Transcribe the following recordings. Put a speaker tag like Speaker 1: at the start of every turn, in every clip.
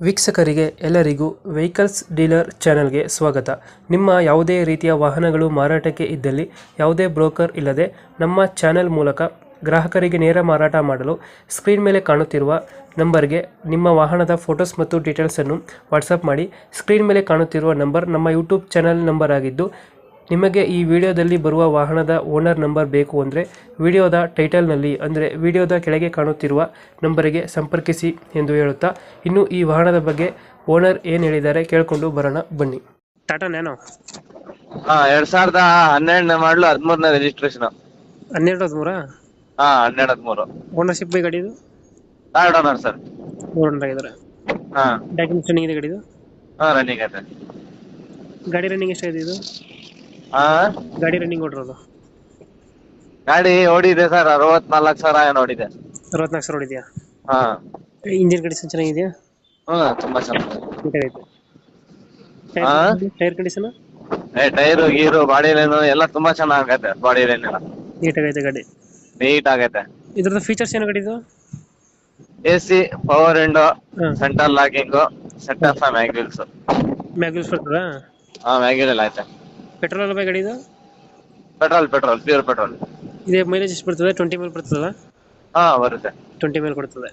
Speaker 1: ವೀಕ್ಷಕರಿಗೆ ಎಲ್ಲರಿಗೂ vehicles dealer ಚಾನೆಲ್ಗೆ ಸ್ವಾಗತ. ನಿಮ್ಮ ಯಾವುದೇ ರೀತಿಯ ವಾಹನಗಳು ಮಾರಾಟಕ್ಕೆ ಇದ್ದಲ್ಲಿ ಯಾವುದೇ ಬ್ರೋಕರ್ ಇಲ್ಲದೆ ನಮ್ಮ ಚಾನೆಲ್ ಮೂಲಕ ಗ್ರಾಹಕರಿಗೆ ನೇರ ಮಾರಾಟ ಮಾಡಲು ಸ್ಕ್ರೀನ್ ಮೇಲೆ ಕಾಣುತ್ತಿರುವ ನಂಬರ್ಗೆ ನಿಮ್ಮ ವಾಹನದ ಫೋಟೋಸ್ ಮತ್ತು ಡೀಟೇಲ್ಸನ್ನು ವಾಟ್ಸಪ್ ಮಾಡಿ. ಸ್ಕ್ರೀನ್ ಮೇಲೆ ಕಾಣುತ್ತಿರುವ ನಂಬರ್ ನಮ್ಮ ಯೂಟ್ಯೂಬ್ ಚಾನೆಲ್ ನಂಬರ್ ಆಗಿದ್ದು, ನಿಮಗೆ ಈ ವಿಡಿಯೋದಲ್ಲಿ ಬರುವ ವಾಹನದ ಓನರ್ ನಂಬರ್ ಬೇಕು ಅಂದರೆ ವಿಡಿಯೋದ ಟೈಟಲ್ನಲ್ಲಿ ಅಂದರೆ ವಿಡಿಯೋದ ಕೆಳಗೆ ಕಾಣುತ್ತಿರುವ ನಂಬರಿಗೆ ಸಂಪರ್ಕಿಸಿ ಎಂದು ಹೇಳುತ್ತಾ, ಇನ್ನು ಈ ವಾಹನದ ಬಗ್ಗೆ ಓನರ್ ಏನು ಹೇಳಿದ್ದಾರೆ ಕೇಳಿಕೊಂಡು ಬರೋಣ ಬನ್ನಿ. ಟಾಟಾ ನ್ಯಾನೋ
Speaker 2: 2012 ಮಾಡಲು 13ನೇ ರಿಜಿಸ್ಟ್ರೇಷನ್.
Speaker 1: 12-13
Speaker 2: 12-13
Speaker 1: ಓನರ್ಶಿಪ್ ಗಾಡಿ ಇದು
Speaker 2: ಥರ್ಡ್ ಓನರ್ ಸರ್.
Speaker 1: ಓನರ್ ಆಗಿದ್ದಾರೆ. ಡಾಕ್ಯುಮೆಂಟ್ಸ್ ರನ್ನಿಂಗ್ ಇದೆ ಗಾಡಿದು?
Speaker 2: ರನ್ನಿಂಗ್ ಐತೆ.
Speaker 1: ಗಾಡಿ ರನ್ನಿಂಗ್ ಎಷ್ಟಾಗಿದೆ ಇದು? ಗಾಡಿ ರನ್ನಿಂಗ್ ಓಡಿರೋದು?
Speaker 2: ಗಾಡಿ ಓಡಿದೆ ಸರ್ 64,000 ಏನೋ ಓಡಿದೆ.
Speaker 1: 64,000 ಓಡಿದೆಯಾ? ಇಂಜಿನ್ ಕಂಡೀಷನ್ ಚೆನ್ನಾಗಿದೆಯಾ?
Speaker 2: ತುಂಬಾ ಚೆನ್ನಾಗಿದೆ.
Speaker 1: ನೀಟಾಗೈತೆ. Tyre condition?
Speaker 2: ಟೈರು ಗೀರು ಬಾಡಿ ಲೈನು ಎಲ್ಲ ತುಂಬಾ ಚೆನ್ನಾಗೈತೆ. ಬಾಡಿ ಲೈನ್ ಎಲ್ಲ
Speaker 1: ನೀಟಾಗೈತೆ ಗಾಡಿ.
Speaker 2: ನೀಟ್ ಆಗೈತೆ.
Speaker 1: ಇದ್ರದ್ದು ಫೀಚರ್ಸ್ ಏನು ಗಾಡಿದು?
Speaker 2: AC, power window, centre locking, set of mag wheels.
Speaker 1: Mag wheels ಬರ್ತದಾ?
Speaker 2: ಮ್ಯಾಗ್ವಿಲ್ ಎಲ್ಲ ಐತೆ.
Speaker 1: ಪೆಟ್ರೋಲ್ ಅಲ್ಲ ಗಾಡಿ ಇದು?
Speaker 2: Petrol pure petrol.
Speaker 1: ಇದೇ ಮೈಲೇಜ್ ಎಷ್ಟು ಬರ್ತದೆ? 20 ಮೇಲೆ ಬರ್ತದಲ್ಲ?
Speaker 2: ಬರುತ್ತೆ.
Speaker 1: 20 ಮೇಲೆ ಕೊಡ್ತದೆ.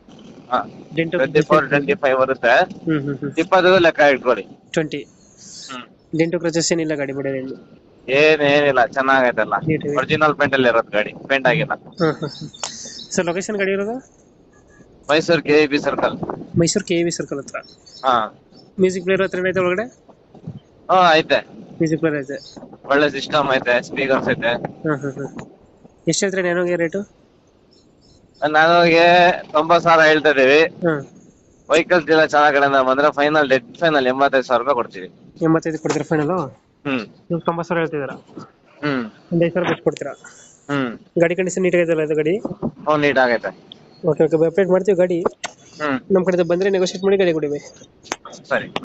Speaker 2: 24-25 ಬರುತ್ತೆ. 20 ಲೆಕ್ಕ ಇಟ್ಕೊಳ್ಳಿ.
Speaker 1: 20 ಡೆಂಟು ಕ್ರಚಸ್ ಏನಿಲ್ಲ ಗಾಡಿ ಬಡಿಯಲ್ಲಿ?
Speaker 2: ಏನಿಲ್ಲ, ಚೆನ್ನಾಗೈತಲ್ಲ. ಒರಿಜಿನಲ್ ಪೇಂಟ್ ಅಲ್ಲಿ ಇರೋದು ಗಾಡಿ, ಪೇಂಟ್ ಆಗಿಲ್ಲ.
Speaker 1: ಸರ್ ಲೊಕೇಶನ್ ಗಾಡಿ ಇರೋದು?
Speaker 2: Mysuru KEB circle.
Speaker 1: Mysuru KEB circle ಹತ್ರ. ಮ್ಯೂಸಿಕ್ ಪ್ಲೇಯರ್ ಹತ್ರ ಏನೈತೆ ಒಳಗಡೆ?
Speaker 2: ಐತೆ.
Speaker 1: ಮ್ಯೂಸಿಕ್ ಪ್ಲೇಯರ್ ಐತೆ.
Speaker 2: ಒಳ್ಳೆ ಸಿಸ್ಟಮ್ ಐತೆ, ಸ್ಪೀಕರ್ಸ್ ಐತೆ.
Speaker 1: ಎಷ್ಟು ಹೇಳ್ತೀರಾ ನ್ಯಾನೋಗೆ ರೇಟು?
Speaker 2: ನನಗೆ 90,000 ಹೇಳ್ತಾ ಇದೀವಿ. ವೆಹಿಕಲ್ಸ್ ಎಲ್ಲ ಚೆನ್ನಾಗ್ ಕಡೆಯಿಂದ ಬಂದ್ರೆ ಫೈನಲ್ 85,000 ರೂಪಾಯಿ ಕೊಡ್ತೀವಿ.
Speaker 1: 85 ಕೊಡ್ತೀರಾ ಫೈನಲ್? ನೀವು 90,000 ಹೇಳ್ತಿದ್ದೀರಾ? ಒಂದು 5,000 ಎಷ್ಟು ಕೊಡ್ತೀರಾ? ಗಾಡಿ ಕಂಡೀಷನ್ ನೀಟ್ ಆಗೈತಲ್ಲ ಇದು ಗಾಡಿ?
Speaker 2: ನೀಟ್ ಆಗೈತೆ.
Speaker 1: ಓಕೆ ಅಪ್ಡೇಟ್ ಮಾಡ್ತೀವಿ ಗಾಡಿ. ನಮ್ಮ ಕಡೆ ಬಂದ್ರೆ ನೆಗೋಶಿಯೇಟ್ ಮಾಡಿ ಗಾಡಿ ಕೊಡಿ.
Speaker 2: ಸರಿ.